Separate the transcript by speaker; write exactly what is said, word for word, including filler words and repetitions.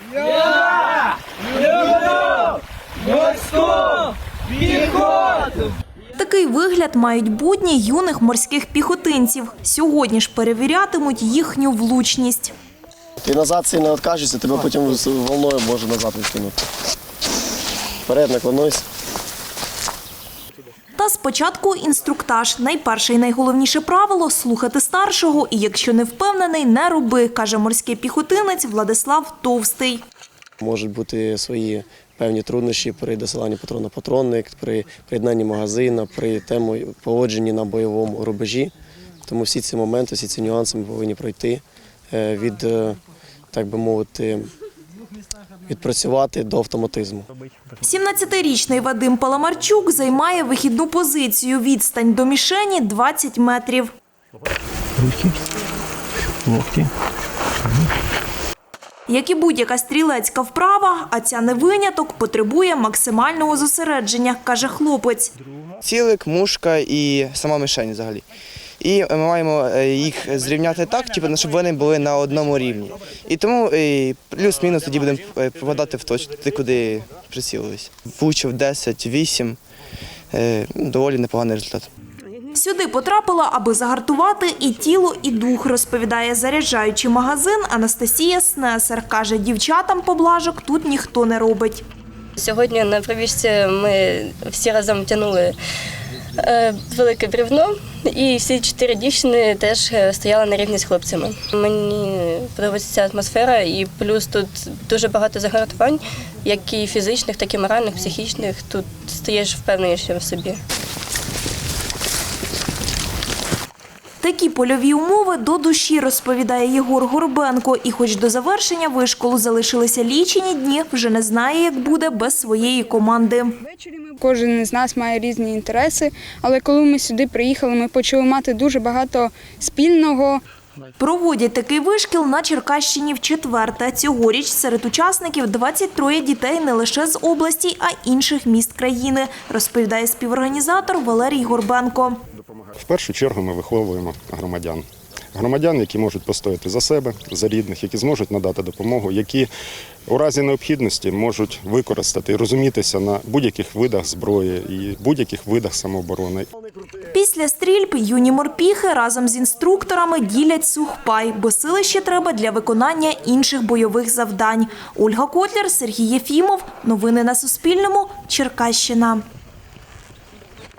Speaker 1: Я люблю морську піхоту!
Speaker 2: Такий вигляд мають будні юних морських піхотинців. Сьогодні ж перевірятимуть їхню влучність.
Speaker 3: Ти назад сильно відкажешся, тебе потім волною може назад відкинути. Вперед наклонуйся.
Speaker 2: Та спочатку інструктаж. Найперше і найголовніше правило – слухати старшого і якщо не впевнений, не роби, каже морський піхотинець Владислав Товстий.
Speaker 3: Можуть бути свої певні труднощі при досиланні патронно-патронник, при приєднанні магазину, при тему поводженні на бойовому рубежі. Тому всі ці моменти, всі ці нюанси ми повинні пройти від, так би мовити, відпрацювати до автоматизму.
Speaker 2: сімнадцятирічний Вадим Паламарчук займає вихідну позицію. Відстань до мішені – двадцять метрів.
Speaker 4: Руки, локті.
Speaker 2: Як і будь-яка стрілецька вправа, а ця не виняток, потребує максимального зосередження, каже хлопець.
Speaker 5: Цілик, мушка і сама мішень взагалі. І ми маємо їх зрівняти так, щоб вони були на одному рівні. І тому плюс-мінус тоді будемо попадати в точку, туди, куди прицілились. Влучив десять вісім, доволі непоганий результат.
Speaker 2: Сюди потрапила, аби загартувати і тіло, і дух, розповідає заряджаючий магазин Анастасія Снесер. Каже, дівчатам поблажок тут ніхто не робить.
Speaker 6: Сьогодні на пробіжці ми всі разом тягнули велике бревно, і всі чотири дівчини теж стояли на рівні з хлопцями. Мені подобається ця атмосфера, і плюс тут дуже багато загартувань, як і фізичних, так і моральних, психічних. Тут стаєш впевненіше в собі.
Speaker 2: Такі польові умови до душі, розповідає Єгор Горбенко. І хоч до завершення вишколу залишилися лічені дні, вже не знає, як буде без своєї команди.
Speaker 7: Кожен із нас має різні інтереси, але коли ми сюди приїхали, ми почали мати дуже багато спільного.
Speaker 2: Проводять такий вишкіл на Черкащині вчетверте. Цьогоріч серед учасників двадцять троє дітей не лише з області, а й інших міст країни, розповідає співорганізатор Валерій Горбенко.
Speaker 8: В першу чергу ми виховуємо громадян. Громадян, які можуть постояти за себе, за рідних, які зможуть надати допомогу, які у разі необхідності можуть використати і розумітися на будь-яких видах зброї і будь-яких видах самооборони.
Speaker 2: Після стрільб юні морпіхи разом з інструкторами ділять сухпай, бо сили ще треба для виконання інших бойових завдань. Ольга Котляр, Сергій Єфімов. Новини на Суспільному. Черкащина.